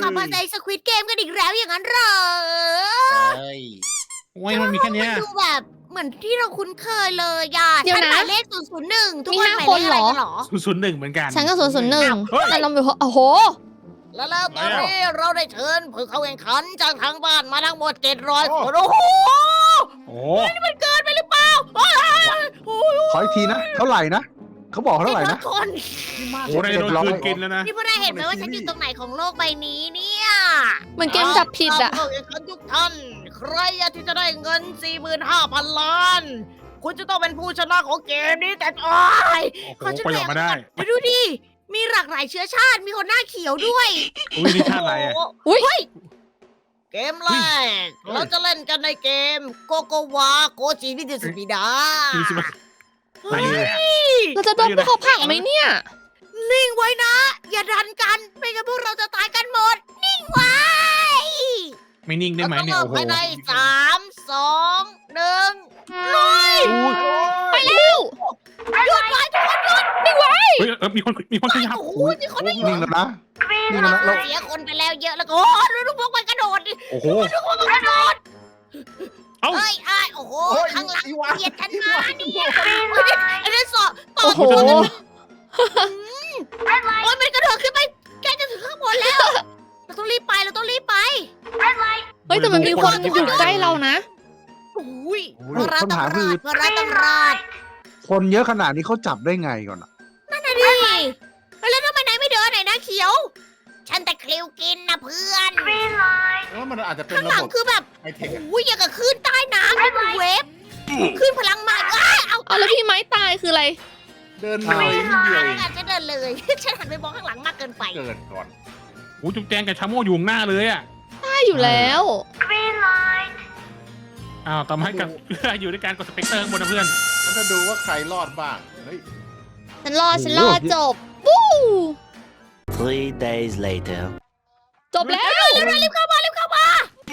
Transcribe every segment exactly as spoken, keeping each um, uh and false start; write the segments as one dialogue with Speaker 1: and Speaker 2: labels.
Speaker 1: กลับมาในสควิดเกมกันอีกแล้วอย่างนั้นเหรอ
Speaker 2: เฮ้ย
Speaker 3: โอ้ยมันมีแค่เนี้ย
Speaker 1: มันดูแบบเหมือนที่เราคุ้นเคยเลยอ่ะ
Speaker 4: เดี๋ยว
Speaker 1: ฉัน
Speaker 4: นะ
Speaker 1: หมายเลขศูนย์ศูนย์หนึ่งทุก
Speaker 4: มี
Speaker 1: คน
Speaker 4: ห้า
Speaker 1: หมาย
Speaker 4: ค
Speaker 1: เล
Speaker 4: น
Speaker 1: ขอะไร
Speaker 4: เหรอ
Speaker 1: กันเหรอ
Speaker 3: ศูนย์ศูนย์หนึ่งเหมือนกัน
Speaker 4: ฉันก็ศูนย์ศูนย์หนึ่ง
Speaker 3: เฮ้ย
Speaker 4: แต่เราไม่โอ้โห
Speaker 1: แล้วแล้วตอนนี้เราได้เชิญผู้เข้าแข่งขันจากทางบ้านมาทั้งหมดเจ็ดร้อยคนโอ้โห
Speaker 3: โอ้
Speaker 1: นี่มันเกินไปหรือเปล่าโอ้ยโอ้ย
Speaker 5: ขออีกทีนะ เท่าไหร่นะ เขาบอกเท่าไหร่
Speaker 1: เจ็ดร้อ
Speaker 5: นะ
Speaker 1: ยคน
Speaker 3: โหได้โดนคืนกินแล้วนะ
Speaker 1: นี่พวกนายเห็นไหมว่าฉันอยู่ตรงไหนของโลกใบนี้เนี่ย
Speaker 4: เหมือนเกมจับผิดอะ
Speaker 1: ผู้เข้าแข่งขันทุกท่าน ใครอยากที่จะได้เงิน สี่หมื่นห้าพัน ล้าน คุณจะต้องเป็นผู้ชนะของเกมนี้แต่โอ้ย
Speaker 3: โอ้โห
Speaker 1: ขอฉัน
Speaker 3: ไปออกมาได้
Speaker 1: เดี๋ยวดูดิ มีหลากหลายเชื้อชาติ มีคนหน้าเขียวด้วย
Speaker 3: อุ้ยนี่ชาติอะไรอ่ะ
Speaker 4: อุ๊ย
Speaker 1: เฮ้ยเกมแรก เราจะเล่นกันในเกมโกโกวาโกจิวิเดสปิดา
Speaker 3: คือสิบไหนเลยอะ
Speaker 4: เราจะโดนพวกเขาผลักไหมเนี่ย
Speaker 1: นิ่งไว้นะ อย่าดันกัน ไม่งั้นพวกเราจะตายกันหมด นิ่งไว้
Speaker 3: ไม่นิ่งได้ไหมเนี่ย
Speaker 1: รา
Speaker 3: โอ้
Speaker 1: ต้อง
Speaker 3: โห
Speaker 1: ภายในสามสองหนึ่งลุย
Speaker 4: ไปเร็ว
Speaker 1: หยุดไว้ทุกคนหยุด
Speaker 3: เฮ้ยเออมีคนมีคนขยับ
Speaker 1: โอ้โหมีคนได้
Speaker 5: นิ่งแล้วนะ นิ่งแล้วนะเรา
Speaker 1: เสียคนไปแล้วเยอะแล้วก็โอ้โหดูทุกพวกมันกระโดดดิ
Speaker 3: โอ้โห
Speaker 1: ดูทุกพวกมันกระโดด
Speaker 3: เอ้า
Speaker 1: เฮ้ยไอ้ายโอ้โห
Speaker 5: โอ้ย
Speaker 1: ข้างหลัง
Speaker 5: อีวา
Speaker 1: เบียดฉันมาเนี่ยอันนี้สอต่อ
Speaker 4: โอ้โห
Speaker 1: ต่อโอ้ยมันกระโดดขึ้นไปใกล้จะถึงข้างบนแล้ว เราต้องรีบไปเราต้องรีบไป
Speaker 4: เฮ้ยแต่มันมีคนอยู่ใกล้เรานะ
Speaker 1: โอ้ย
Speaker 5: โอ้
Speaker 1: พวย กเราต้อง
Speaker 5: คำถาม
Speaker 1: ร
Speaker 5: คือ
Speaker 1: อดพวกเราต้องรอด
Speaker 5: คนเยอะขนาดนี้เขาจับได้ไงก่อนอะ
Speaker 1: นั่นน่ะดิเฮ้ยแล้วทำไมนายไม่เดินไหนนะเขียว ฉันตะคริวกินนะเพื่อน
Speaker 2: ว่ามันอาจจะเป็น
Speaker 1: ข้าง
Speaker 2: ระ
Speaker 1: หลั
Speaker 2: บ
Speaker 1: ง
Speaker 2: บ
Speaker 1: คือแบบ
Speaker 2: ไฮเทคอะ
Speaker 1: โอ้ยอย่างกับคลื่นใต้น้ำเป็นเวฟคลื่นพลังมาอ้าเอา
Speaker 4: เอาแล้วพี่ไม้ตายคืออะไร
Speaker 2: เดินเลยนิดเดียวเอง
Speaker 1: อาจจะเดินเลย ฉันหันไปมองข้างหลังมากเกินไป
Speaker 2: เกิดก่อน
Speaker 3: โอ้จุ๊บแจงกับชาโม่อยู่ข้างหน้าเลยอ่ะ
Speaker 4: ได้อยู่แล้ว
Speaker 3: อ้าวต่อมากับ อยู่ด้วยการกดสเปกเตอร์ข้างบนนะเพื่อน
Speaker 2: แล้วจะดูว่าใครรอดบ้าง เฮ้ย
Speaker 4: ฉันรอดฉันรอดจบ ปู้
Speaker 6: Three days later.
Speaker 4: จบแล้ว
Speaker 1: รีบเข้ามารีบเข้ามา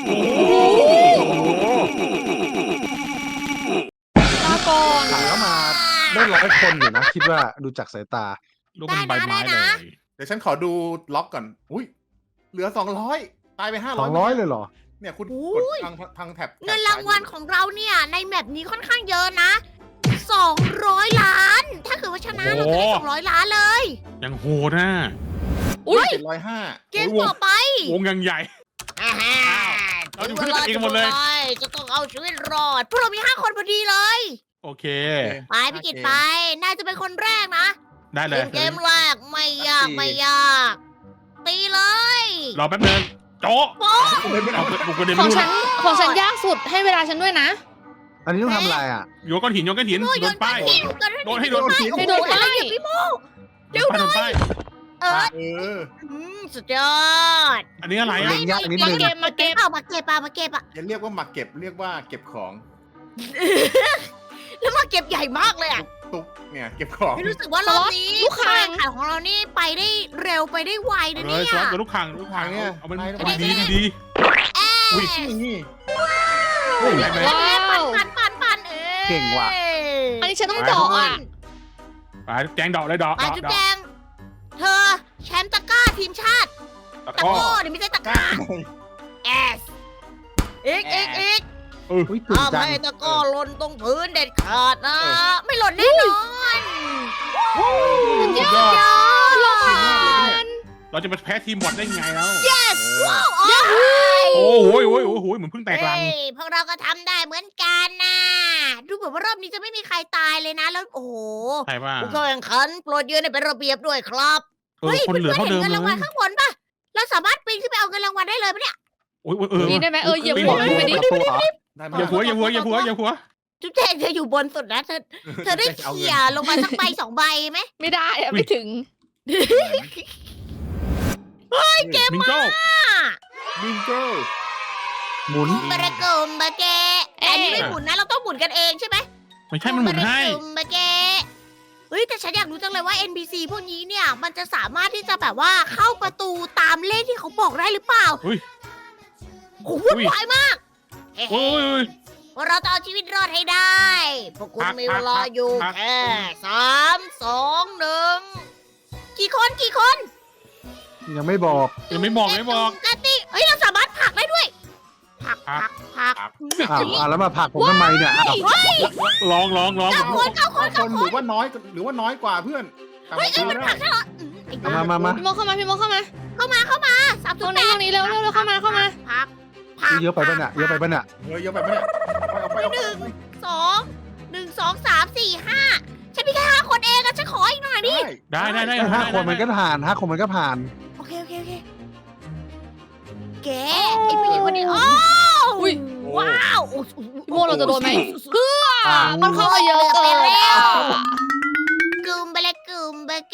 Speaker 4: ลาก่อน
Speaker 5: ถามเข้ามาได้ร้อยคนอยู่นะ คิดว่าดูจากสายตา
Speaker 3: ลูกเป็นใบไม้เลย
Speaker 2: เดี๋ยวฉันขอดูล็อกก่อน อุ้ย เหลือสองร้อยตายไปห้า
Speaker 5: ส
Speaker 2: ร้
Speaker 5: อ
Speaker 2: อย
Speaker 5: งร้อยเลยเหรอ
Speaker 2: เนี่ยคุณ
Speaker 1: โอ้
Speaker 2: กด
Speaker 1: ย
Speaker 2: ทางทางแท็บ
Speaker 1: เงินรางวัลของเราเนี่ย ในแมปนี้ค่อนข้างเยอะนะสองร้อยล้าน ถ้าเกิดว่าชนะเราจะได้สองร้อยล้านเลย
Speaker 3: ยังโหดนะ
Speaker 4: อุ๊ย
Speaker 2: เจ็ดร้อยห้า
Speaker 1: เกมต่อไป
Speaker 3: วงยังใหญ่
Speaker 1: อ่าฮะ
Speaker 3: เอา
Speaker 1: ถึ
Speaker 3: ดู
Speaker 1: ง
Speaker 3: เพื่
Speaker 1: เว
Speaker 3: อน
Speaker 1: ลา
Speaker 3: เอง
Speaker 1: จะ
Speaker 3: หมดเลย
Speaker 1: ไปจะต้องเอาชีวิตรอดพวกเรามีห้าคนพอดีเลย
Speaker 3: โอเค
Speaker 1: ไปพี่กิตไป น่าจะเป็นคนแรกนะ
Speaker 3: ได้เล
Speaker 1: เล่
Speaker 3: ย
Speaker 1: นเกมแรกไม่ยากไม่ยาก ตีเลย
Speaker 3: รอแป๊บนึงโจ๊ะ
Speaker 1: โป๊ะ
Speaker 3: เอาบุกกระเด็น
Speaker 4: ของ
Speaker 3: ลูก
Speaker 4: ฉันของฉันยากสุดให้เวลาฉันด้วยนะ
Speaker 5: อันนี้ต้องทำอะไรอ่ะ
Speaker 3: โยนก้อนหินโยนก้อนหิน
Speaker 1: โอ้ย
Speaker 3: โดนป้าย
Speaker 1: โยนก้อนหิน
Speaker 3: โดนให้โดน
Speaker 1: ป้าย
Speaker 4: ให้โดนป้าย
Speaker 1: โอ้โหพี่โม
Speaker 3: โดนป้ายโดนป้าย
Speaker 1: เออ
Speaker 2: เออ
Speaker 1: อืมสุดยอด
Speaker 3: อันนี้อะไร
Speaker 5: เล่
Speaker 3: อ่ะ
Speaker 5: นยากนิดนึง
Speaker 4: เกมมาเก็บ
Speaker 1: เอามาเก็บเอามาเก็บอะ
Speaker 2: อย่าเรียกว่าหมักเก็บ เรียกว่าเก็บของ
Speaker 1: แล้วมาเก็บใหญ่มากเลยอะ
Speaker 2: ตุ๊กเนี่ย เก็บของ
Speaker 1: ไม่รู้สึกว่ารอบนี้
Speaker 4: ลูกค้าง
Speaker 1: ขายของเรานี่ไปได้เร็วไปได้ไวนะ
Speaker 3: เล
Speaker 1: เนี่ย ย
Speaker 3: สวัสดลูกขังลูกขังเนี่ยเอามัน
Speaker 2: ไป
Speaker 3: เอามัน
Speaker 2: ไป
Speaker 3: ดี
Speaker 2: ไป
Speaker 3: ดี อุ้ย
Speaker 2: นี่
Speaker 3: เฮ้ยได้ไหม
Speaker 4: ว้าว
Speaker 1: ปันปันปันปันเออ
Speaker 5: เก่งว่ะ
Speaker 4: อันนี้ฉันต้องเดอกอ่ะ
Speaker 3: ไปแจงดอกเลยดอก
Speaker 1: ไป
Speaker 3: ดอก
Speaker 1: จุ๊บ
Speaker 3: ดอ
Speaker 1: แจ
Speaker 3: ก
Speaker 1: งเธอแชมป์ตะกร้าทีมชาติ
Speaker 3: ตะ
Speaker 1: ตะ
Speaker 3: ก้อ
Speaker 1: โก้เดี๋ยวไม่ใช่ตะก
Speaker 2: กล้า
Speaker 1: ร้าเอสอีกอีกอีก
Speaker 5: อุ้ยตื่น
Speaker 1: ห้าม
Speaker 5: จัง
Speaker 1: ให้ตะกร้อหล่นตรงพื้นเด็ดขาดนะ ไม่หล่นแน่นอน
Speaker 3: สุดยอด
Speaker 1: ยอด
Speaker 3: เราจะไปแพ้ทีมบอทได้ไงแล้ว
Speaker 1: yes ว้าว
Speaker 3: โอ้โหโอ้โหโอ้โหเหมือนเพิ่งแตกรัง
Speaker 1: เฮ้ยพวกเราก็ทำได้เหมือนกันนะดูเหมือนว่ารอบนี้จะไม่มีใครตายเลยนะ แล้วโอ้โห
Speaker 3: ใช่ป่ะ
Speaker 1: ผู้เข้าแข่งขันโปรดยืนให้เป็นระเบียบด้วยครับ
Speaker 3: เออคนเหลือเท่าเดิม
Speaker 1: เงิน
Speaker 3: เล
Speaker 1: รางวัล
Speaker 3: ย
Speaker 1: ข้างบนป่ะ เราสามารถปีนขึ้นไปเอาเงินรางวัลได้เลยปะเนี่ย
Speaker 3: โอ้ยเออ
Speaker 4: นี่ได้ไหมเออเหยียบ
Speaker 3: ปีน
Speaker 4: หัว
Speaker 3: หั
Speaker 4: มันไปดิ
Speaker 5: ตัวเหรอ
Speaker 2: ได้ไหม
Speaker 3: อย่าหัวอย่าหัวอย่าหัวอย่าหัว
Speaker 1: จุ๊บแจงเธออยู่บนสุดนะเธอเธอได้
Speaker 2: เอาเงิน
Speaker 1: เขี่ยลงมาสักใบสองใบไหม
Speaker 4: ไม่ได้อะไม่ถึง
Speaker 2: เกม
Speaker 3: มิงโก้
Speaker 2: มิงเกิล
Speaker 5: หมุน
Speaker 1: บาระกุมบาเกะแต่อันนี้ไม่หมุนนะเราต้องหมุนกันเองใช่ไหม
Speaker 3: ไม่ใช่มันหมุนให้
Speaker 1: บาระกุมบาเกะเฮ้ยแต่ฉันอยากรู้จังเลยว่า เอ็น พี ซี พวกนี้เนี่ย มันจะสามารถที่จะแบบว่าเข้าประตูตามเลขที่เขาบอกได้หรือเปล่า
Speaker 3: อุ้ย
Speaker 1: โอ้โหวุ่นวายมากเฮ้
Speaker 3: โอ้ย
Speaker 1: พวกเราต้องเอาชีวิตรอดให้ได้ พวกคุณ
Speaker 3: พัก
Speaker 1: มีเวลาอยู่
Speaker 3: พัก
Speaker 1: แค่สามสองหนึ่งกี่คนกี่คน
Speaker 3: ม
Speaker 5: ยังไม่บอก
Speaker 3: ยังไม่บอกไม่บอก
Speaker 1: กระติกเฮ้ยเราสามารถผลักได้ด้วยผลักผลักผลัก
Speaker 5: อ้าวอ่ะแล้วมาผลักผมทำไมเนี่ยอ้าว
Speaker 3: ลองลองลอง
Speaker 1: เก้าคนเก้าคน
Speaker 2: ค
Speaker 1: เก้าน
Speaker 2: ห
Speaker 1: ค
Speaker 2: รื
Speaker 1: น
Speaker 2: อว่าน้อยหรือว่าน้อยกว่าเพื่อนตาม
Speaker 1: เฮ้ยเอ้ย
Speaker 2: มา
Speaker 1: มันผลักใช่เหรออืมไอ้บ้
Speaker 5: มามามา
Speaker 4: พี่โมเข้ามาพี่โมเข้ามา
Speaker 1: เข้ามาเข้ามาสาม
Speaker 4: ต
Speaker 1: จุ
Speaker 4: ร
Speaker 1: ด
Speaker 4: ง
Speaker 1: แป
Speaker 4: นี้
Speaker 1: ด
Speaker 4: ตรงนี้เร็วเร็วเร็วเข้ามาเข้ามา
Speaker 1: พักพัก
Speaker 5: เยอะไปปะเนี่ยเยอะไปปะเนี่ย
Speaker 2: เฮ้ยเยอะไปไหมเนี่ยเอาไปเอาไป
Speaker 1: ห
Speaker 2: เอา
Speaker 1: นึ่ง
Speaker 2: ไป
Speaker 1: สองหนึ่งสองสามสี่ห้าฉันมีแค่ห้าคนเองอะฉันขออีกหน่อยดิ
Speaker 3: ได้ได้ได้
Speaker 5: เอ้ยห้าคนมันก็ผ่านห้าคนมันก็ผ่าน
Speaker 1: โอเคโอเคโอเคแกไอ้ผู้หญิงคนนี้โอ้
Speaker 4: อุ้ย
Speaker 1: ว้าวโอ้โห
Speaker 4: พี่โมเราจะโดนไหม
Speaker 5: อ่า
Speaker 4: มันเข้ามาเยอะเกิน
Speaker 1: ไปแล้ว
Speaker 4: อ่ะ
Speaker 1: กึมไปเลยกึมไปเก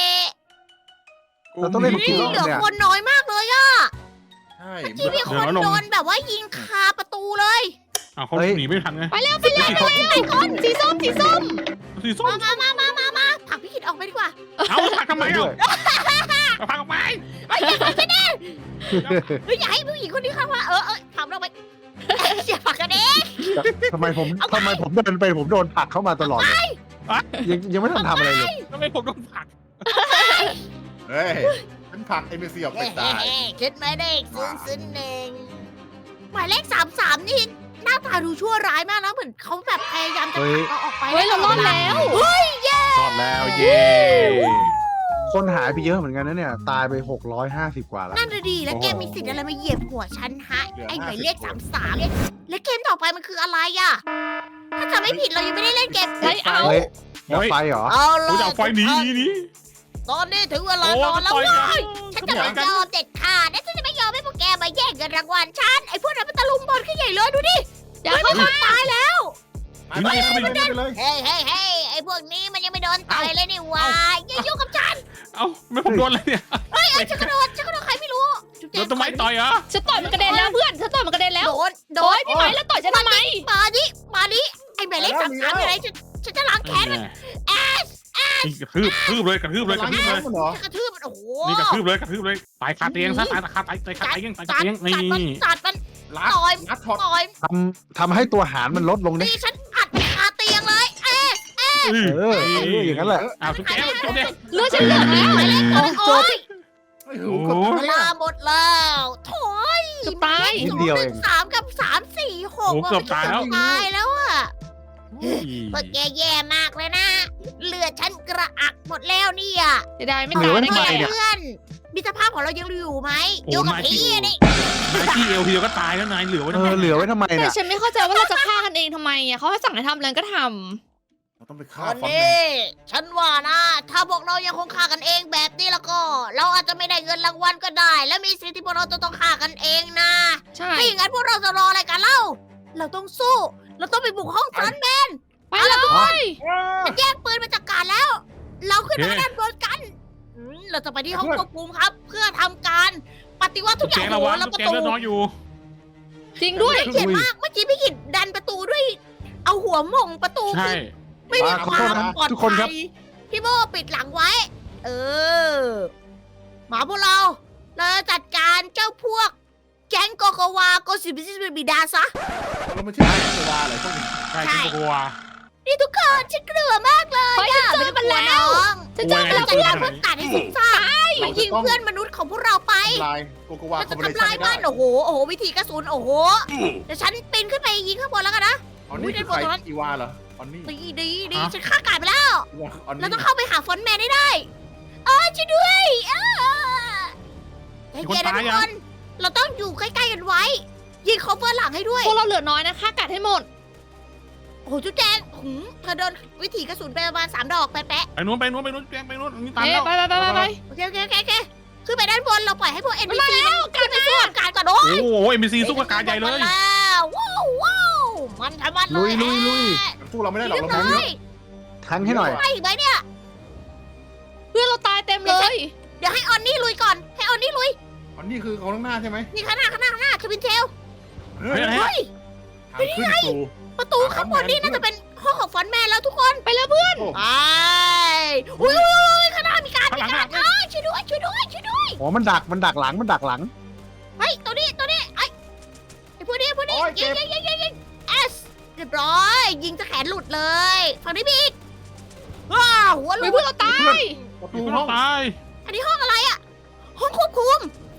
Speaker 5: เราต้องเล่น
Speaker 1: นี่
Speaker 5: กี่รอบ
Speaker 1: เหลือ
Speaker 5: เนี่ย
Speaker 1: คนน้อยมากเลยอะ
Speaker 2: ใช่
Speaker 1: ที่มีคนโดนแบบว่ายิงคาประตูเลย
Speaker 3: อ้าวเขาหนีไม่ทันไง
Speaker 4: ไปเร็วไปเร็วไปเร็วสีส้มสีส้ม
Speaker 3: สีส้ม
Speaker 1: มามามามามามาผลักพี่กิตออกไปดีกว่า
Speaker 3: เอาพักทำไมเอ้าพักออกไป
Speaker 1: เฮ้ยอย่าผลักฉันเองเฮ้ยอย่าให้ผู้หญิงคนนี้เข้ามาเออเออผลักเราไปอย่าผลักกันเอง
Speaker 5: ทำไมผมทำไมผมเดินไปผมโดนผลักเข้ามาตลอดเลยยังยังไม่ทันทำอะไรเลย
Speaker 3: ทำไมผมต้องผลัก
Speaker 2: เฮ้ยฉันผลักเอ็มบีซีออกไปตาย
Speaker 1: เฮ้ยคิดไม่ได้ซึ้งซึ้งเองหมายเลขสามสามนี่หน้าตาดูชั่วร้ายมากนะเหมือนเขาแบบพยายามจะผลักเราออกไป
Speaker 4: เฮ้ยเรารอดแล้ว
Speaker 1: เฮ้ยเย้
Speaker 3: รอดแล้วเย้
Speaker 5: คนหายไปเยอะเหมือนกันนะเนี่ย ตายไปหกร้อยห้าสิบกว่าแล้ว
Speaker 1: นั่นน่ะดีแล้วแกมีสิทธิ์อะไรมาเหยียบหัวฉันฮะไอ้หมายเลขสามสามและเกมต่อไปมันคืออะไรอะถ้าจำไม่ผิดเรายังไม่ได้เล่นเกม
Speaker 4: เฮ้ยเอา
Speaker 5: เฮ้ยดับไฟเหรอ
Speaker 1: เอา
Speaker 3: กู
Speaker 1: ล่ะ
Speaker 3: จะเอาไฟหนีหนีหนี
Speaker 1: ตอนนี้ถึงเวลา
Speaker 3: โอ้
Speaker 1: นอนแล้ว
Speaker 3: ต่อยกัน
Speaker 1: เว้ยฉันจะไม่ยอมเด็ดขาดและฉันจะไม่ยอมให้พวกแกมาแย่งเงินรางวัลฉันไอ้พวกนั้นมันตะลุมบอลขึ้นใหญ่เลยดูดิ
Speaker 4: อย่าเข้ามา
Speaker 1: ตายแล้ว
Speaker 2: ไปไปไปไปเลย
Speaker 1: เฮ้ยเฮ้ยเฮ้ยไอ้พวกนี้มันยังไม่โดนต่อยเลยนี่หวะอย่ายุ่งกับฉัน
Speaker 3: เอ้าไม่ผมโดนเลยเนี่ย
Speaker 1: เฮ้ยเอ้ยฉันกระโดดฉันกระโดดใครไม่รู้จุ๊บ
Speaker 3: โด
Speaker 1: แจ๊
Speaker 3: นต้นไม้ต่อยเหรอ
Speaker 4: ฉันต่อยมันกระเด็นแล้วเพื่อนฉันต่อยมันกระเด็นแล้ว
Speaker 1: โดนโด
Speaker 4: โอ้
Speaker 1: น
Speaker 4: ยพี่ไหมแล้วต่อยฉันทำไม
Speaker 1: มาดิมาดิไอ้หมายเลขสามสามอะไรฉันฉันจะล้างแค้นมันเอส
Speaker 3: นี่กระทืบทืบเลยกระทืบเลยกระทืบเลย
Speaker 2: มันเหรอ
Speaker 1: ฉันกระทืบมันโอ้โห
Speaker 3: นี่กระทืบเลยกระทืบเลยตายคาเตียงซะตายคาตายตายคาเตียงตายคาเตียงนี่
Speaker 1: มันจัดมัน
Speaker 2: ลัด
Speaker 1: ต่อย
Speaker 2: ลัดช็อต
Speaker 1: ต่อย
Speaker 5: ทำทำให้ตัวหารมันลดลงดิ
Speaker 1: นี่ฉันอัดมันคาเตียงเลยเอ๊ะ
Speaker 3: เอ
Speaker 5: เออเอออย่างนั้นแหละ
Speaker 3: อ้าวทุกแกทุกแก
Speaker 4: เลือดฉันเหลืองแล้ว
Speaker 1: หมายเลข
Speaker 4: โอ้
Speaker 1: โอ้
Speaker 4: จบ
Speaker 1: ย
Speaker 2: เฮ้ยหูเกือบ
Speaker 1: เวลาหมดแล้วโถย
Speaker 4: เกือบตาย
Speaker 5: นิดเดียวเอง
Speaker 1: สามกับสามสี่หก
Speaker 3: โอ้เกือบตายแล้ว
Speaker 1: ตายแล้วอะพวกแกแย่มากเลยนะเลือดฉันกระอักหมดแล้วเนี่ย
Speaker 4: เสียดายไม่
Speaker 5: เหลื
Speaker 4: ตา
Speaker 5: อย ไว้
Speaker 4: ได้
Speaker 5: ทำไม
Speaker 4: ไง
Speaker 5: เนี่ย
Speaker 1: เพื่อนมิตรภาพของเรายังอยู่ไหม
Speaker 3: โอ้
Speaker 1: อยู่กับ
Speaker 3: นาย
Speaker 1: พี่
Speaker 3: ที่
Speaker 1: อะนี่
Speaker 3: นายที่เอวทีเดียวก็ตายแล้วนายเหลือไว้
Speaker 5: เอ
Speaker 3: ทำไม
Speaker 5: อเหลือไว้ทำไม
Speaker 4: แต่
Speaker 5: เนี่ย
Speaker 4: ฉันไม่เข้าใจว่าเราจะฆ่ากันเองทำไมอ่ะเขาให้สั่งให้ทำอะไรก็ท
Speaker 2: เราต้องไป
Speaker 1: ต
Speaker 2: ฆ่า
Speaker 1: อน
Speaker 2: ฟอนต์แม
Speaker 1: นี้
Speaker 2: น
Speaker 1: ฉันว่านะ ถ้าพวกเรายังคงฆ่ากันเองแบบนี้แล้วก็ เราอาจจะไม่ได้เงินรางวัลก็ได้ และมีสิทธิ์ที่พวกเราจะต้องฆ่ากันเองนะ
Speaker 4: ำใช่
Speaker 1: ถ้าอย่างนั้นพวกเราจะรออะไรกันเล่า เราต้องสู้ เราต้องไปบุกห้องฟรอนต์แมน
Speaker 4: ไปเลย
Speaker 1: มันแย่งปืนมาจากการแล้ว เราขึ้นไปด้านบนกันอืมเราจะไปที่ห้องควบคุมครับ เพื่อทำการปฏิวัติทุ
Speaker 3: ทุ
Speaker 1: ก
Speaker 3: ก
Speaker 1: อ
Speaker 3: แก
Speaker 1: ย่าง
Speaker 3: ระ
Speaker 1: โห
Speaker 3: วัง
Speaker 1: แล้ว
Speaker 3: ทุ
Speaker 1: ป
Speaker 3: ก
Speaker 1: ระ
Speaker 3: แก
Speaker 1: ตู
Speaker 3: เลือดน้อยอยู่
Speaker 4: จริงด้วย
Speaker 1: เกลียดมากเมื่อกี้พี่กิดดันประตูด้วย เอาหัวหม่งประตู
Speaker 3: ใช่
Speaker 1: ไม่มี
Speaker 5: อ่า
Speaker 1: ค
Speaker 5: ขอ
Speaker 1: วา
Speaker 5: โทษ
Speaker 1: ม
Speaker 5: นะ
Speaker 1: ปลอด
Speaker 5: ทุกคนครั
Speaker 1: ภั
Speaker 5: บ
Speaker 1: ยพี่โบปิดหลังไว้ เออหมาพวกเรา เราจะจัดการเจ้าพวก แก๊งโกโกวาโกสิบิซิบิดาซะ
Speaker 2: เราไม่ใช่เทวาอะไรพวกนี้
Speaker 3: ใช่ที่กลัว
Speaker 1: นี่ทุกคนฉันกลัวมากเลย
Speaker 4: เฮ้ย
Speaker 1: อะ
Speaker 4: ฉันเจอมันแล้ว
Speaker 1: ไม่ต้องกลัวน้อง
Speaker 4: ฉันเจอ
Speaker 1: เรา
Speaker 4: มัน
Speaker 1: จะ
Speaker 4: แล้ว
Speaker 1: ฆ่าพวกตัดให้สิ้นซากไปยิงเพื่อนมนุษย์ของพวกเราไป
Speaker 2: ทำลายโกโกวา
Speaker 1: เรา
Speaker 2: คอ
Speaker 1: จะ
Speaker 2: มบิเน
Speaker 1: ทำ
Speaker 2: ชั่
Speaker 1: ลาน ย
Speaker 2: ไม่ได้
Speaker 1: บ้านโอ้โห โอ้โห วิธีกระสุน โอ้โห เดี๋ยวฉันปีนขึ้นไปยิงข้างบนแล้วกันนะ
Speaker 2: อ๋อนี่คือใครอีวาเหรอออนนี่
Speaker 1: ดีดีดีฉันฆ่ากาดไปแล้ว
Speaker 2: อีวาออน
Speaker 1: เรา
Speaker 2: นี่
Speaker 1: ต้องเข้าไปหาฟอนต์แมนให้ได้เออช่วยด้วยเออใจเย็นนะทุกคน เราต้องอยู่ใกล้ๆกันไว้ ยิงคอเวอร์หลังให้ด้วย
Speaker 4: พวกเราเหลือน้อยนะฆ่ากัดให้หมด
Speaker 1: โอ้โหจุ๊บแจงหืมเธอโดนวิถีกระสุนไปประมาณสามดอกแปะ
Speaker 3: ไปนู้นไปนู้นไปนู้นแกไปนู้นนี่ตาม
Speaker 4: เอ๊ะ
Speaker 3: แล้ว
Speaker 4: ไปไปไปไปไป
Speaker 1: ๆโอเคโอเคโอเคโอเคขึ้นไปด้านบน เราปล่อยให้พวก เอ็น พี ซี มันขึ้นไปสู้กับการก่อนโอ้
Speaker 3: โอ้
Speaker 1: ย
Speaker 3: โหเอ็มบีซีสู้กับการใหญ่เลย
Speaker 1: มาแล้วว้าวว้าวมันทำมันเล
Speaker 5: ลุ
Speaker 1: ย
Speaker 5: ยลุยลุย
Speaker 2: มันสู้เราไม่ได้หรอก
Speaker 1: เรียบ
Speaker 2: เรา
Speaker 1: ร้
Speaker 2: ไม่
Speaker 1: อ
Speaker 2: เย
Speaker 1: ย
Speaker 2: อะ
Speaker 5: ทั้งให้หน่อย
Speaker 1: ไปอีกไหมเนี่ย
Speaker 4: เพื่อนเราตายเต็มเลย
Speaker 1: เดี๋ยวให้ออนนี่ลุยก่อน ให้ออนนี่ลุย
Speaker 2: ออนนี่คือของข้างหน้าใช่ไหม
Speaker 1: นี่ข้างหน้าข้างหน้าข้างหน้าทวินเทล
Speaker 2: เฮ้ย
Speaker 3: เฮ้ย
Speaker 1: เฮ้ย
Speaker 2: ทางขึ้นสู่
Speaker 1: ประตูข้างบนนี่น่าจะเป็นห้องของฟอนต์แมนแล้วทุกคน
Speaker 4: ไปแล้วเพื่อน
Speaker 2: โอ้
Speaker 1: ไปอุ้ยอุ้ยอุ้ยข้างหน้ามีการ
Speaker 3: ข้าง
Speaker 1: มี
Speaker 3: หลัง
Speaker 1: การเอ้ยช่วยด้วยช่วยด้วยช่วยด้วย
Speaker 5: อ๋อ มันดัก มันดักหลัง มันดักหลัง
Speaker 1: เฮ้ยตัวนี้ตัวนี้ไอ้ไอ้พวกนี้พวกนี้
Speaker 2: โอ้ย
Speaker 1: ยิ
Speaker 2: เจ็
Speaker 1: ง
Speaker 2: บ
Speaker 1: ยิงยิงยิงยิงเอสเรียบร้อย ยิงจะแขนหลุดเลยฝั่งนี้มีอีกว้าวหัวหลุ
Speaker 4: เฮ้ย
Speaker 1: ด
Speaker 4: เพื่อนเราตาย
Speaker 2: ประ
Speaker 3: มี
Speaker 2: ตู
Speaker 3: คน
Speaker 2: ห้อง
Speaker 3: ตาย
Speaker 1: อันนี้ห้องอะไรอะห้องควบ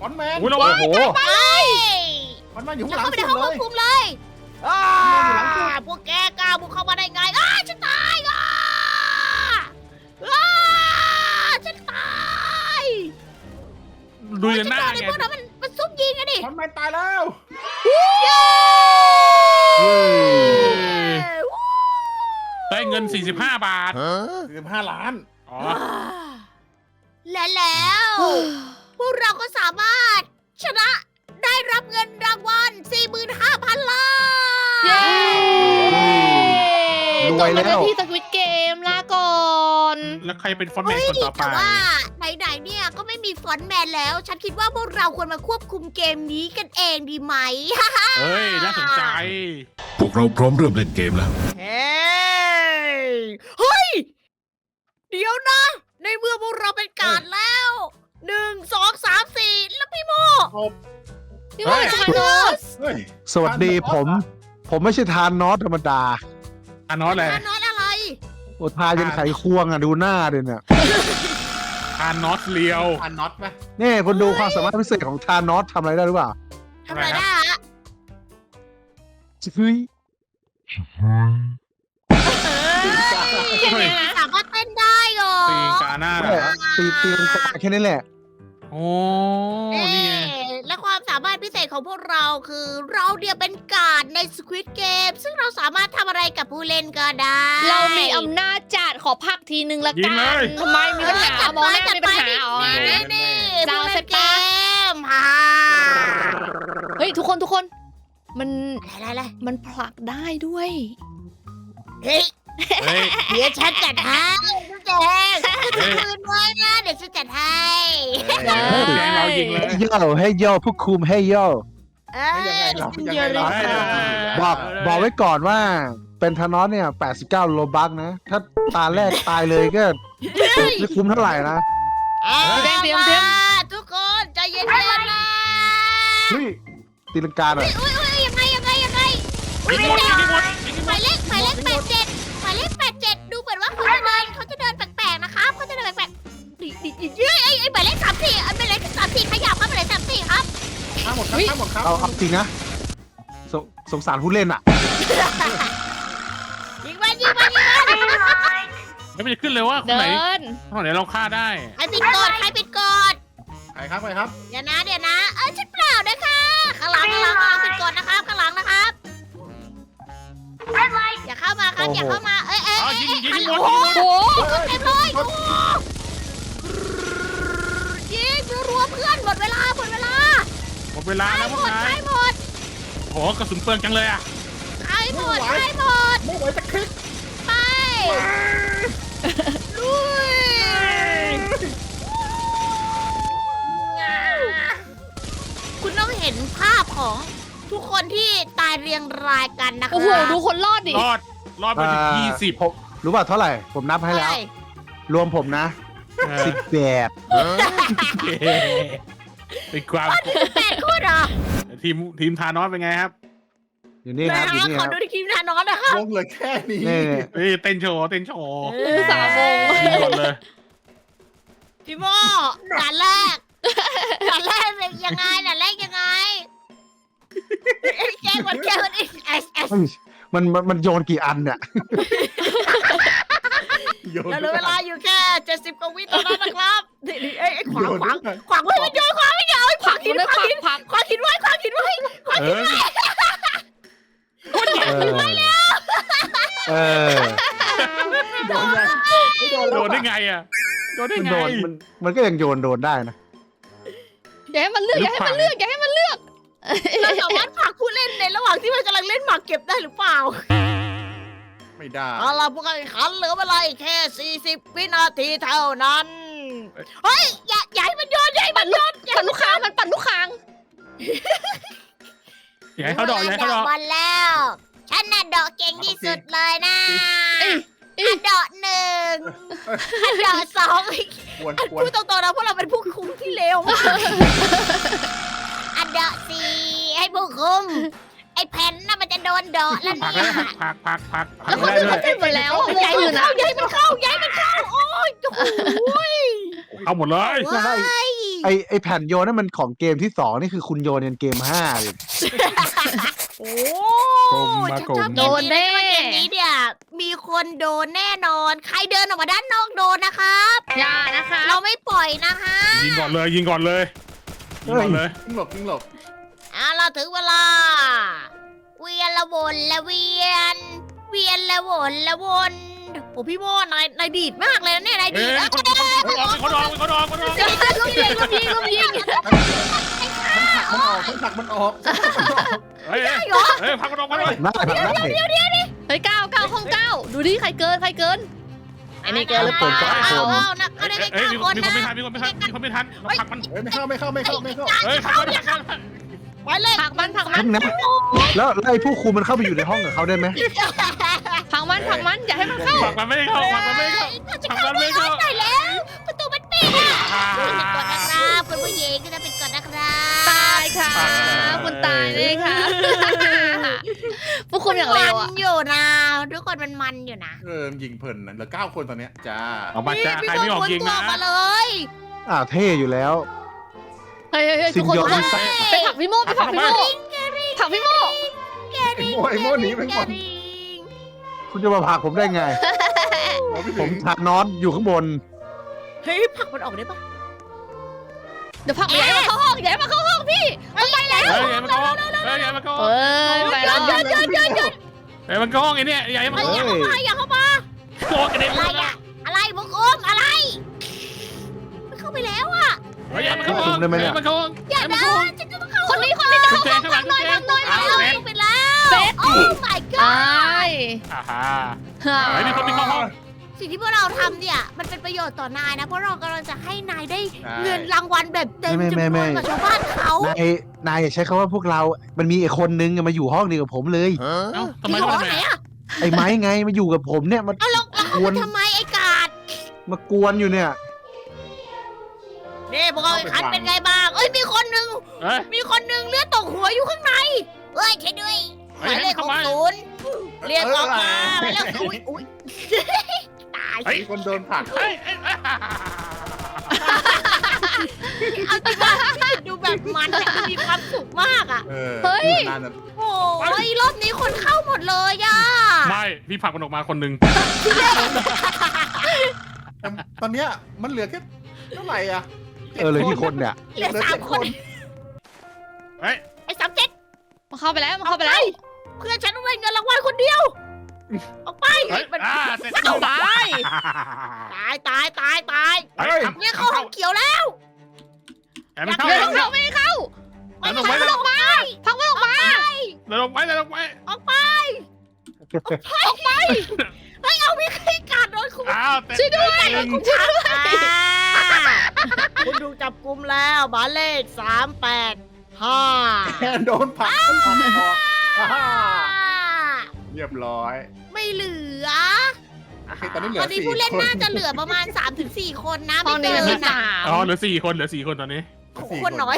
Speaker 2: อนแมน
Speaker 3: อุ้ยระวัง
Speaker 5: โอ้โห
Speaker 1: ไป
Speaker 2: ฟอนแมนอยู่
Speaker 1: แล้ว
Speaker 2: ข้างหลั
Speaker 1: เข้าง ไปในห้องควบ
Speaker 2: สุดเลย
Speaker 1: คุมเลยอ่าพวกแกกล้าบุกเข้ามาได้ไงอ้าฉันตายอ่ะอ้าฉันตาย
Speaker 3: ดูยันหน้า
Speaker 1: ไอ้
Speaker 3: ไง
Speaker 1: พวกนั้นมันมันซุ่มยิงอะดิ
Speaker 2: ฟอนแมนตายแล้ว
Speaker 1: เย้
Speaker 3: ได้เงินสี่สิบห้าบาท
Speaker 2: สิบห้าล้าน
Speaker 3: อ๋อ
Speaker 1: และแล้ว พวกเราก็สามารถชนะได้รับเงินรางวัล สี่หมื่นห้าพัน ล้าน
Speaker 4: เย้
Speaker 5: ร
Speaker 4: ต
Speaker 5: วย
Speaker 4: ก
Speaker 5: แล้
Speaker 4: มาว ได้ที่สควิตเกมลาก่อน
Speaker 3: แล้วใครเป็นฟอนต์แม
Speaker 1: เฮ้
Speaker 3: น
Speaker 1: ย
Speaker 3: คนต่อไป
Speaker 1: แต่ว่าไหนๆเนี่ยก็ไม่มีฟอนต์แมนแล้ว ฉันคิดว่าพวกเราควรมาควบคุมเกมนี้กันเองดีไหม
Speaker 3: เฮ้ย น่าสนใจ
Speaker 7: พวกเราพร้อมเริ่มเล่นเกมแล้ว
Speaker 1: เฮ้ย เฮ้ย เดี๋ยวนะ ในเมื่อพวกเราเป็นการดแล้ว หนึ่ง สอง สาม สี่ แล้วพี่โม
Speaker 4: พี่ว่าชานอส
Speaker 2: เฮ้ย
Speaker 5: สวัสดีผม ผมไม่ใช่ทานนอสธรรมดา
Speaker 3: อานอสเลย
Speaker 1: ทานอสอะไร
Speaker 5: โอ้ทายันไขควงอ่ะดูหน้าดิเนี่ย
Speaker 3: อานอสเลียว
Speaker 2: อันน็อตไหม
Speaker 5: นี่คนดูความสามารถพิเศษของทานอสทำอะไรได้หรือเปล่า
Speaker 1: ทำอะไรได้ฮะ
Speaker 5: เฮ้ย
Speaker 1: เฮ้ยสามารถเต้นได้เหรอ
Speaker 3: ตีนกาหน้าเหรอ
Speaker 5: ตีตีลังกาแค่นี้แหละ
Speaker 3: โอ้ นี่ไง
Speaker 1: เอ๊ะและความสามารถพิเศษของพวกเราคือเราเดียวเป็นการดใน Squid Game ซึ่งเราสามารถทำอะไรกับผู้เล่นก็ได้
Speaker 4: เรามีอำนาจจัดขอพักทีนึงละ
Speaker 3: ยิ
Speaker 4: กั
Speaker 3: งเลย
Speaker 4: นทำไมมีปัญหามองหน้ามีปัญหาอ๋อ
Speaker 1: นี่นี่
Speaker 4: จะเอา
Speaker 1: ผู้
Speaker 4: เสร็
Speaker 1: เล่
Speaker 4: จ
Speaker 1: นเก
Speaker 4: ปะ
Speaker 1: มฮ่า
Speaker 4: เฮ้ยทุกคนทุกคน มัน
Speaker 1: อะไรอะไร
Speaker 4: มันผลักได้ด้วย
Speaker 1: เฮ้ย
Speaker 3: เฮ้ย
Speaker 1: เดี๋ยวฉันจัดให้ทุกแจง
Speaker 3: เฮ้ย
Speaker 1: คืนไว้นะเดี๋ยวฉันจัดให้
Speaker 4: ได้
Speaker 3: แกงเรายิงเลย
Speaker 5: ให้ย่อให้ย่อผู้คุมให้ย่อ
Speaker 1: เอ้ย
Speaker 2: ยังไงเรายัง
Speaker 1: เดี๋
Speaker 2: ไง
Speaker 1: ยว
Speaker 2: เรา
Speaker 1: เลยค่ะ
Speaker 5: บอก บอกไว้ก่อนว่า เป็นทานอสเนี่ยแปดสิบเก้าโลบักนะ ถ้าตาแรกตายเลยก็ไม่คุ้มเท่าไหร่นะ
Speaker 1: เอา
Speaker 4: เตรียมเตรียมเตรียม
Speaker 1: มาทุกคนใจเย็นๆนะ
Speaker 5: เฮ้ยตีลังกาหน่อย
Speaker 1: อุ้ยอุ้ยยังไงยังไงยังไง
Speaker 3: ยิงหมดยิงหมดยิงห
Speaker 1: ห
Speaker 3: ม
Speaker 1: มา
Speaker 3: ด
Speaker 1: ยเลขหมายเลขแปดเจ็ดหมายเลขแปดเจ็ดดูเหมือนว่าเขาจะเดินเขาจะเดินแปลกๆนะครับเขาจะเดินแปลกๆดิดิดิเฮ้ยไอ้ไอ้หมายเลขสามสี่ไอ้หมายเลขสามสี่ขยับครับหมายเลขสามสี่ครับ
Speaker 2: ข้ามหมดครับข้ามหมดครับ
Speaker 5: เอาเอาจริงนะสงสงสารผู้เล่นอ่ะ
Speaker 1: ยิงมันยิงมันยิงมัน
Speaker 3: ไม่มันจะขึ้นเลยว่าคน
Speaker 4: เดิ
Speaker 3: ไหน
Speaker 4: น
Speaker 3: คนไหนเราฆ่าได้
Speaker 1: ใครปิดกดใครปิดกด
Speaker 2: ไปครับไปครับ
Speaker 1: เดี๋ยวนะเดี๋ยวนะเออฉันเปล่านะคะข้างหลังข้างหลังข้างหลังปิดกดนะครับข้างหลังนะครับอย่าเข้ามาครับอย่าเข้ามาเอ้ยเอ้ย
Speaker 3: อ๋อ
Speaker 1: เอ้ย
Speaker 3: ยิงยิง
Speaker 1: เอ้ย
Speaker 3: หมด
Speaker 1: โอ้
Speaker 3: ยิง
Speaker 1: โห
Speaker 3: หมด
Speaker 1: เต็มเลยโอ้โหยิงรัวๆเพื่อนหมดเวลาหมดเวลา
Speaker 3: หมดเวลา
Speaker 1: ใช้
Speaker 3: แล้ว
Speaker 1: ห
Speaker 3: พ
Speaker 1: ม
Speaker 3: วก
Speaker 1: ด
Speaker 3: นา
Speaker 1: ใช้
Speaker 3: ย
Speaker 1: หมด
Speaker 3: โหกระสุนเปลืองจังเลยอ่ะ
Speaker 1: ใช้หมด
Speaker 2: ไม่ไหว
Speaker 1: ใช้หมด
Speaker 2: ไม่ไหวจะคลิก
Speaker 1: ไปลุยคุณต้องเห็นภาพของทุกคนที่ตายเรียงรายกันนะคะ
Speaker 4: โอ้โหดูคนรอดดิ
Speaker 3: รอด รอดไปถึง
Speaker 5: อ่า
Speaker 3: ยี่สิบ
Speaker 5: ผมรู้ป่ะเท่าไหร่ ผมนับให้แล้ว
Speaker 1: ใช่
Speaker 5: รวมผมนะสิบแปด
Speaker 3: เป็นความ
Speaker 1: แปดคู่เหรอ
Speaker 3: ทีมทีมทานอสเป็นไงครับ
Speaker 5: อยู่นี่ครับอยู่นี่
Speaker 1: ข
Speaker 5: ค
Speaker 1: อ
Speaker 5: รับ
Speaker 1: ดูที่ทีมทานอนนะคะ
Speaker 2: วงเหลือแค่นี้
Speaker 5: นี่
Speaker 3: เฮ้ยเต้นโชว์เต้นโชว์
Speaker 4: เออสามวง
Speaker 3: ยิงก่อนเลย
Speaker 1: พี่โมด่านแรกด่านแรกเป็นยังไงด่านแรกยังไงแกล้งมันแกล้งมันเอสเอส
Speaker 5: เฮ้ยมันมันมันโยนกี่อันเนี่ย
Speaker 2: โยน
Speaker 1: เราเหลือเวลาอยู่แค่เจ็ดสิบกว่าวิเท่านั้นนะครับนี่นี่เอ้ยเอ้ยขวาง
Speaker 2: โยน
Speaker 1: ขวาง
Speaker 2: ด้วย
Speaker 1: ขวางไว้มันโยนขวางไม่โยนขวางหิน
Speaker 4: ได้
Speaker 1: ขวาง
Speaker 4: พัก
Speaker 1: หิน
Speaker 4: พัก
Speaker 1: ขวางหินไว้ขวางหินไว้
Speaker 3: เออ
Speaker 5: เออเออ
Speaker 2: โดนไงไม่โดน
Speaker 3: โด
Speaker 2: แล้ว
Speaker 3: นได้ไงอ่ะ โดนได้
Speaker 5: มัน
Speaker 3: ไง
Speaker 5: โดนมันมันก็ยังโยนโดนได้นะ
Speaker 4: อย่าให้มันเลือกอย่าให้มันเลือกอย่าให้มันเลือก
Speaker 1: เราสามารถผลักผู้เล่นในระหว่างที่มันกำลังเล่นหมากเก็บได้หรือเปล่า
Speaker 2: ไม่ได้
Speaker 1: เอาล่ะผู้การแข่งขันเหลือเวลาอีกแค่สี่สิบวินาทีเท่านั้นเฮ้ยอย่าอย่าให้มันโยนอย่าให้มันโยนอย่า
Speaker 4: ปั่นลูกค้างมันปั่นลูกค้าง
Speaker 3: อย่าให้เขาดอกอย่าให้เขาดอก
Speaker 1: บอลแล้ว ฉันน่ะเดอกเก่งที่สุดเลยนะอันเดอกหนึ่งอันเดอกสอง
Speaker 2: ควรควร
Speaker 1: พูดตรงๆนะพวกเราเป็นผู้คุมที่เลวมากอันเดอกสี่ให้ผู้คุม ไอ้แผ่นน่ะมันจะโดนเดอกแล้ว
Speaker 3: พัก
Speaker 1: เนี่
Speaker 3: แล้ว
Speaker 1: ย
Speaker 3: พักพักพักพัก
Speaker 4: แล้วเขา
Speaker 3: ได้
Speaker 4: จะ
Speaker 3: ด้วย
Speaker 4: เต้นหมดแล้ววง
Speaker 1: ย้าย
Speaker 4: อื่
Speaker 1: มัน
Speaker 4: น
Speaker 1: เข้า
Speaker 4: อ่ะ
Speaker 1: ย้ายมันเข้าย้ายมันเข้าโอ้ยโอ้ย
Speaker 3: เอาหมดเลย
Speaker 1: เฮ้ย
Speaker 5: ไอไอแผ่นโยนนั่นมันของเกมที่สองนี่คือคุณโยนยันเกมห้าเลย
Speaker 1: โอ้
Speaker 3: กลมมา
Speaker 1: ฉัน
Speaker 3: กล
Speaker 1: ชอบ
Speaker 3: ม
Speaker 1: เกมนี้นะเกมนี้เนี่ยมีคนโดนแน่นอน ใครเดินออกมาด้านนอกโดนนะครับ
Speaker 4: อย่านะคะ
Speaker 1: เราไม่ปล่อยนะคะ
Speaker 3: ยิงก่อนเลยยิงก่อนเลยยิงก่อนเลย
Speaker 2: ยิงหลบยิงหลบ
Speaker 1: เอาเราถึงเวลา เวียนละวนละเวียน เวียนละวนละวนโอ้พี่โมนายนายดีดมากเลยนะเนี่ยนาย
Speaker 3: เอ้
Speaker 1: ดี
Speaker 3: ย
Speaker 1: ดแล้ว
Speaker 3: คนคนคนออกคนออกคนออกคนออก
Speaker 4: ลุมยิงลุมยิงลุมยิง
Speaker 2: มันผลักมันออกมันผลักมันออก
Speaker 3: เฮ้ยเฮ้ยพักคนออกมาเลย
Speaker 5: น่าผักได้
Speaker 4: เฮ้ยเก้าเก้าห้องเก้าดูดิใครเกินใครเกิน
Speaker 1: อันนี้เกินหรือเปล่าเอาเอานะก็ได้แค่
Speaker 3: เฮ้ย
Speaker 1: เก้า
Speaker 3: มี
Speaker 1: คน
Speaker 3: มีคน
Speaker 1: นะ
Speaker 3: ไม่ทันมีคนไม่ทันมีคนไม่ทันเราผลักมัน
Speaker 2: เฮ้ยไม่เข้าไม่เข้าไม่เข้าไม่เข้า
Speaker 3: เฮ้ยผลักมันผลักมัน
Speaker 1: ไปเลย
Speaker 4: ผักมันผักมั
Speaker 5: ทั้
Speaker 4: น
Speaker 5: งนั้นแล้วแล้วไอ้ผู้คุมมันเข้าไปอยู่ในห้องกับเขาได้ไหม
Speaker 4: ผักมันผักมันอย่าให้มันเข้า
Speaker 3: ผลักมันไม่เข้าผลักมันไม่เข้า
Speaker 1: ถ้าจะ
Speaker 3: ผลัก
Speaker 1: เข้า
Speaker 3: มัน
Speaker 1: ไม่
Speaker 3: ไม่
Speaker 1: เข้า
Speaker 3: เข้า
Speaker 1: ได้แล้ว ประตูมันปิดอ่ะเป็นกฎนะครับคุณผู้หญิงก็จะเป็นกฎนะครับ
Speaker 4: ตายค่ะคุณตายเลยค่ะพวกคุณอย่างเร็ว
Speaker 1: มั
Speaker 4: อ่ะ
Speaker 1: นอยู่นะทุกคนมันมันอยู่นะ
Speaker 2: เออยิงเพลินนะเหลือเก้าคนตอนเนี้ยจ้า
Speaker 3: ออกมาจ้าใครไม่ออกยิง
Speaker 1: ตัว
Speaker 3: นะ
Speaker 1: มาเลย
Speaker 5: อ่าเท่อยู่แล้ว
Speaker 4: เฮ้ยเฮ้ยทุกคนทุกคนไปผักพี่โมไปผักพี่โมผักพี่โม
Speaker 1: แก
Speaker 2: ไอ้
Speaker 1: ริง
Speaker 2: โม่ไอ้โม่หนีไปก่อน
Speaker 1: แกริง
Speaker 5: คุณจะมาผลักผมได้ไง ผมทานอสอยู่ข้างบน
Speaker 1: เฮ้ยผลักมันออกได้ปะ
Speaker 4: เดี๋ยวผักย้ายมาเข้าห้องย้ายมาเข้าห้องพี่มันไปแล้ว
Speaker 3: เฮ้ยอย่ามาโกงเฮ้ยอย่ามาโกง
Speaker 4: เอ้ยไปแล้ว
Speaker 1: หยุดหยุดหยุดหยุด
Speaker 3: เฮ้ยมันโกงไอ้เนี่ยอย่ามา
Speaker 1: เฮ้ย
Speaker 3: โก
Speaker 1: อย่าง เข้ามาอย่าเข้ามา
Speaker 3: โกงกันเอง
Speaker 1: อะไรอะอะไรบุกอมอะไรมันเข้าไปแล้วอะ
Speaker 3: เฮ้ยอย่ามาโกงอย่ามาโกง
Speaker 1: อย่านะฉันจะต้องเข้า
Speaker 4: คนนี้คนนี้จะเข้า
Speaker 3: แจงข้างหลังแจง
Speaker 1: เอาเข้าไปแล้ว
Speaker 4: เฟส
Speaker 1: โอ้ my
Speaker 4: ตา
Speaker 1: god
Speaker 4: ย
Speaker 3: อ่าฮะเฮ้ยมีคนมีเข้าห้อง
Speaker 1: สิ่งที่พวกเราทำเนี่ยมันเป็นประโยชน์ต่อนายนะเพราะเรากำลังจะให้นายได้เงินรางวัลแบบเต็ม
Speaker 5: ไม่
Speaker 1: จำ
Speaker 5: ไม่
Speaker 1: น
Speaker 5: ไม่
Speaker 1: วนกับชาวบ้านเขา
Speaker 5: นายนายอย่าใช้คำว่าพวกเรา มันมีไอ้คนนึงอะมาอยู่ห้องเดียวกับผมเลย
Speaker 3: เอ้าทำไม
Speaker 1: ที่หอ
Speaker 3: ทำไม
Speaker 1: ไหนอะ
Speaker 5: ไอ้ไม้ไงมาอยู่กับผมเนี่ยมา
Speaker 1: เอาแล้วแล้วเขามาทำไมไอ้กาด
Speaker 5: มากวนอยู่เนี่ย
Speaker 1: นี่พวกเราไอ้คันเป็นไงบ้างเอ้ยมีคนหนึ่ง
Speaker 3: เฮ้ย
Speaker 1: มีคนหนึ่งเลือดตกหัวอยู่ข้างในเอ้ยช่วยด้วยห
Speaker 3: เฮ้
Speaker 1: มาย ยเลข
Speaker 3: เข้า
Speaker 1: หก
Speaker 3: มา
Speaker 1: ศูนย์เรียกออกมาหมายเลขอุ้ยอุ้ยตาย
Speaker 3: เฮ้ย
Speaker 2: มีคนโดนผลัก
Speaker 3: เฮ้ยเฮ้ย
Speaker 1: เอาจริงว่าดูแบบมันอะดูมีความสุขมากอ่ะ
Speaker 2: เออ
Speaker 4: เฮ้ย
Speaker 2: นานนั้น
Speaker 1: โอ้ยรอบนี้คนเข้าหมดเลยอ่ะ
Speaker 3: ไม่พี่ผลักมันออกมาคนหนึ่ง
Speaker 2: แต่ตอนเนี้ยมันเหลือแค่เท่าไหร่อ่ะ
Speaker 5: เออเลยที่คนเนี่ย
Speaker 1: เหลือสามคน
Speaker 3: เฮ้ย
Speaker 1: ไอ้สามเจ็ด
Speaker 4: มันเข้าไปแล้วมันเข้าไปแล้ว
Speaker 1: เพื่อนฉันต้องได้เงินรางวัลคนเดียวออกไป
Speaker 3: เฮ้ย
Speaker 1: มัน
Speaker 3: อ่าเสร็จ
Speaker 4: ตาย
Speaker 1: ตายตายตายตาย
Speaker 3: เฮ้ย
Speaker 1: เนี่ยเข้าห้องเขียวแล้ว
Speaker 3: แอบไม่เข้า
Speaker 4: เดินเข้าไม่เข้า
Speaker 1: ไม่
Speaker 3: เดิน
Speaker 1: ใช่
Speaker 3: ออกไป
Speaker 1: พักมันออกมา
Speaker 3: เดินออกไปเดินออกไป
Speaker 1: ออกไปออกไปเฮ้ยเอามีใครกัดโดนคุณ
Speaker 3: อ้าวแต่
Speaker 4: ช่วยด้วย
Speaker 3: หนึ่ง
Speaker 4: ช่วยด้วย
Speaker 1: คุณถูกจับกุมแล้วหมายเลขสามแปดห้า
Speaker 2: โดนผลักมันผลักออกอ่าเรียบร้อย
Speaker 1: ไม่เหลือ
Speaker 2: โอเคตอนนี้เหลื
Speaker 1: ต
Speaker 2: อ
Speaker 1: อนนี้
Speaker 2: สี่
Speaker 1: ผู้เล่น
Speaker 2: คน
Speaker 1: น่าจะเหลือประมาณ สามถึงสี่ คนนะ
Speaker 4: ห้อง
Speaker 1: ไม่
Speaker 4: นี้
Speaker 1: เกิ
Speaker 4: มันมี
Speaker 1: น
Speaker 4: สา
Speaker 1: นะ
Speaker 4: ม
Speaker 3: อ๋อเหลือสี่คนเหลือสี่คนตอนนี้
Speaker 2: สี่
Speaker 1: คนน้อย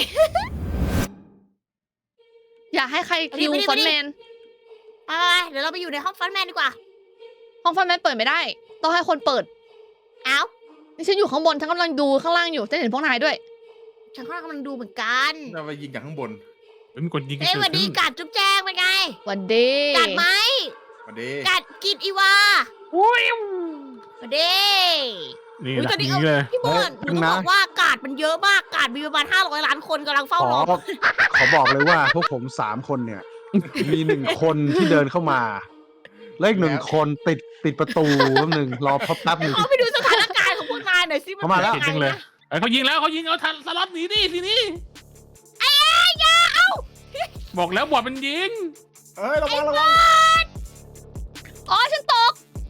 Speaker 4: อย่าให้ใครคิว
Speaker 1: ไปดิ
Speaker 4: ฟ
Speaker 1: ไป
Speaker 4: อน
Speaker 1: ดิ
Speaker 4: ต์แมน
Speaker 1: ไปๆเดี๋ยวเราไปอยู่ในห้องฟอนต์แมนดีกว่า
Speaker 4: ห้องฟอนต์แมนเปิดไม่ได้ ต้องให้คนเปิด
Speaker 1: เอ้า
Speaker 4: นี่ฉันอยู่ข้างบนฉันกำลังดูข้างล่างอยู่ฉันเห็นพวกนายด้วย
Speaker 1: ฉันก็กำลังดูเหมือนกัน
Speaker 2: เราไปยิงจากข้างบน
Speaker 3: เฮ้ยมีคนยิงกัน
Speaker 1: เอ้ย
Speaker 3: เกิ
Speaker 1: หวั
Speaker 3: ด
Speaker 1: นดี
Speaker 3: ขึ้น
Speaker 1: กัดจุ๊บแจงเป็นไง
Speaker 4: วันดี
Speaker 1: กัดไหม
Speaker 2: มาดี
Speaker 1: กัดกินอีวาหวันดี
Speaker 3: นี่
Speaker 1: อุ๊ย
Speaker 3: แห
Speaker 1: ตอ
Speaker 3: ละ
Speaker 1: นนี้
Speaker 3: ยิ
Speaker 1: เอา
Speaker 3: งเลย
Speaker 1: พี่บอลหนูต้องบอกว่ากาดมันเยอะมากกาดมีประมาณห้าร้อยล้านคนกำลังเฝ้า
Speaker 5: ขอ
Speaker 1: รอ
Speaker 5: ขอบอกเลยว่าพวกผมสามคนเนี่ย มีหนึ่งคนที่เดินเข้ามาและอีกหนึ่งคนติดติดประตูแป๊บหนึ่งรอพับแป๊บหนึ่ง
Speaker 1: เขาไปดูสถานการณ์ของพวกนายหน่อยสิมัน
Speaker 5: เข้ามาแล้ว
Speaker 1: ป็น
Speaker 3: เห็นจัง
Speaker 1: ไง
Speaker 3: เลย
Speaker 1: นะ
Speaker 3: เฮ้ยเขายิงแล้วเขายิงเอาทันสล็อตหนีดิทีนี้บอกแล้วบอดมันยิง
Speaker 2: เอ้ยระวังระวัง
Speaker 4: อ๋อฉันตก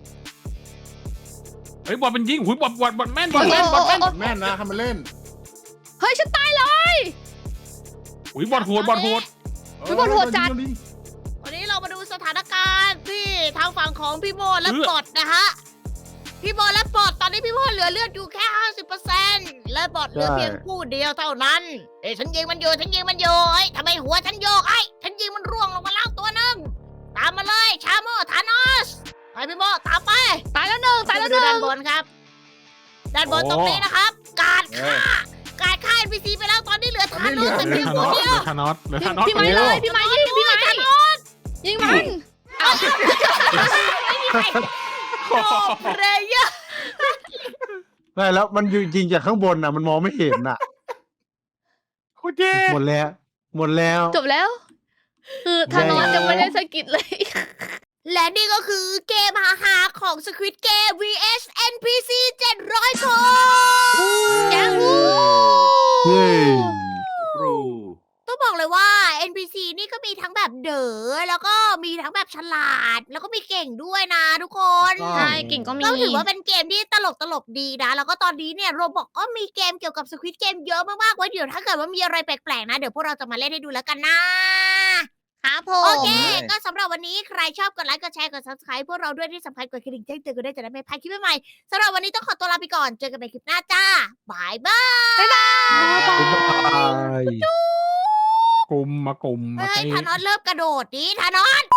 Speaker 3: เฮ้ยบอดมันยิงหุยบอดบอดบอดแม่นบอดแม่นบอดแม่น
Speaker 2: แม่นนะทำมันเล่น
Speaker 4: เฮ้ยฉันตายเลย
Speaker 3: หุยบอดโหดบอดโหด
Speaker 4: พี่บอลโหดจัด
Speaker 2: ยิง
Speaker 1: วันนี้เรามาดูสถานการณ์ที่ทางฝั่งของพี่โบและปอดนะฮะพี่โบและปอดตอนนี้พี่โบเหลือเลือดอยู่แค่ ห้าสิบเปอร์เซ็นต์ และปอดเหลือเพียงผู้เดียวเท่านั้นเอ้ยฉันยิงมันอยู่ฉันยิงมันอยู่เอ้ยทำไมหัวฉันโยกไอ้ยฉันยิงมันร่วงลงมาแล้วตัวหนึงตามมาเลยชาโมธานอสไปพี่โบตามไป
Speaker 4: ตายแล้วหนึ่งตายแล้วหนึ่
Speaker 1: ดูด้าน
Speaker 4: ง
Speaker 1: บนครับ ด้านบนตรงนี้นะครับ การฆ่าการฆ่า เอ็น พี ซี ไปแล้วตอนนี้เหลือทานอสแต่
Speaker 3: เหลื
Speaker 1: เพี
Speaker 3: อย
Speaker 1: ง
Speaker 3: ธาน
Speaker 1: ค
Speaker 3: อน ส
Speaker 1: เดี
Speaker 3: เห
Speaker 1: ยว
Speaker 3: ลือธานอสเหลือธานอส
Speaker 4: พี่ไม้เลยพี่ไม้ยิงพี่ไม้ยิงมัน
Speaker 1: โอ้เพลเยอร์
Speaker 5: ได้แล้วมันอยู่ยิงจากข้างบนน่ะ มันมองไม่เห็นน่ะ
Speaker 3: โคตรเย่
Speaker 5: หมดแล้ว หมดแล้ว
Speaker 4: จบแล้ว คือธานอสยังไม่ได้สกิดเลย
Speaker 1: และนี่ก็คือเกมฮาๆของ Squid Game วี เอส เอ็น พี ซี เจ็ดร้อย คน
Speaker 4: ยาฮู
Speaker 5: เย้
Speaker 2: ครู
Speaker 1: ต้องบอกเลยว่า เอ็น พี ซี นี่ก็มีทั้งแบบเด๋อแล้วก็มีทั้งแบบฉลาด แล้วก็มีเก่งด้วยนะทุกคน
Speaker 4: ใช่เก่งก็มี
Speaker 1: ก็ถือว่าเป็นเกมที่ตลกตลกๆดีนะ แล้วก็ตอนนี้เนี่ยโรบอกก็มีเกมเกี่ยวกับ Squid Game เยอะมากๆไว้เดี๋ยวถ้าเกิดว่ามีอะไรแปลกๆนะ เดี๋ยวพวกเราจะมาเล่นให้ดูแล้วกันนะครับ
Speaker 4: ผม
Speaker 1: โอเค ก็สำหรับวันนี้ใครชอบกดไลค์กดแชร์กด subscribe พวกเราด้วยที่สำคัญกดกระดิ่งแจ้งเตือนกันด้วยจะได้ไม่พลาดคลิปใหม่ๆสำหรับวันนี้ต้องขอตัวลาไปก่อนเจอกันใหม่คลิปหน้าจ้าบายบาย
Speaker 5: บ๊ายบาย
Speaker 3: กลุ่มมากลุ่มมา
Speaker 1: เฮ้ย
Speaker 3: เตะ
Speaker 1: ธานอสเริ่มกระโดดดิธานอส